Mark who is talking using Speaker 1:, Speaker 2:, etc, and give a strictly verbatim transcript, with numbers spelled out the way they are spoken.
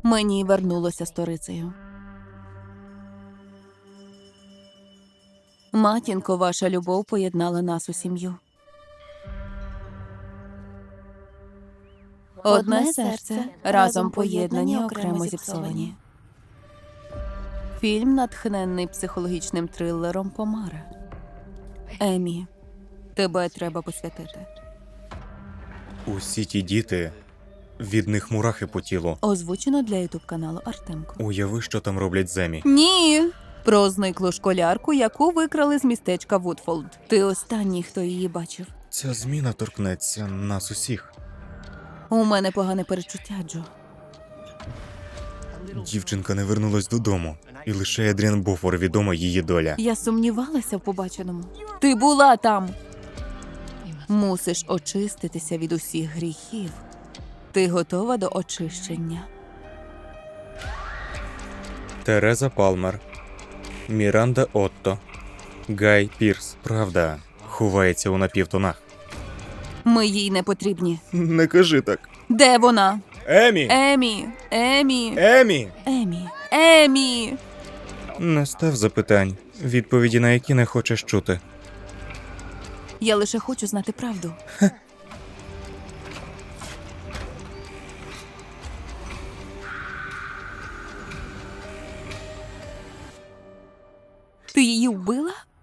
Speaker 1: Мені вернулося сторицею. Матінко, ваша любов поєднала нас у сім'ю. Одне серце, разом поєднані, окремо зіпсовані. Фільм, натхненний психологічним трилером «Помара». Емі, тебе треба посвятити.
Speaker 2: Усі ті діти, від них мурахи по тілу.
Speaker 1: Озвучено для ютуб-каналу Артемко.
Speaker 2: Уяви, що там роблять Земі.
Speaker 1: Ні! Про зниклу школярку, яку викрали з містечка Вудфолд. Ти останній, хто її бачив.
Speaker 2: Ця зміна торкнеться нас усіх.
Speaker 1: У мене погане перечуття, Джо.
Speaker 2: Дівчинка не вернулась додому, і лише Едріан Бофор відома її доля.
Speaker 1: Я сумнівалася в побаченому. Ти була там! Мусиш очиститися від усіх гріхів. Ти готова до очищення.
Speaker 2: Тереза Палмер, Міранда Отто, Гай Пірс. Правда, ховається у напівтонах.
Speaker 1: Ми їй не потрібні.
Speaker 2: Не кажи так.
Speaker 1: Де вона?
Speaker 2: Емі!
Speaker 1: Емі! Емі!
Speaker 2: Емі!
Speaker 1: Емі! Емі!
Speaker 2: Не став запитань, відповіді на які не хочеш чути.
Speaker 1: Я лише хочу знати правду. Ти її вбила?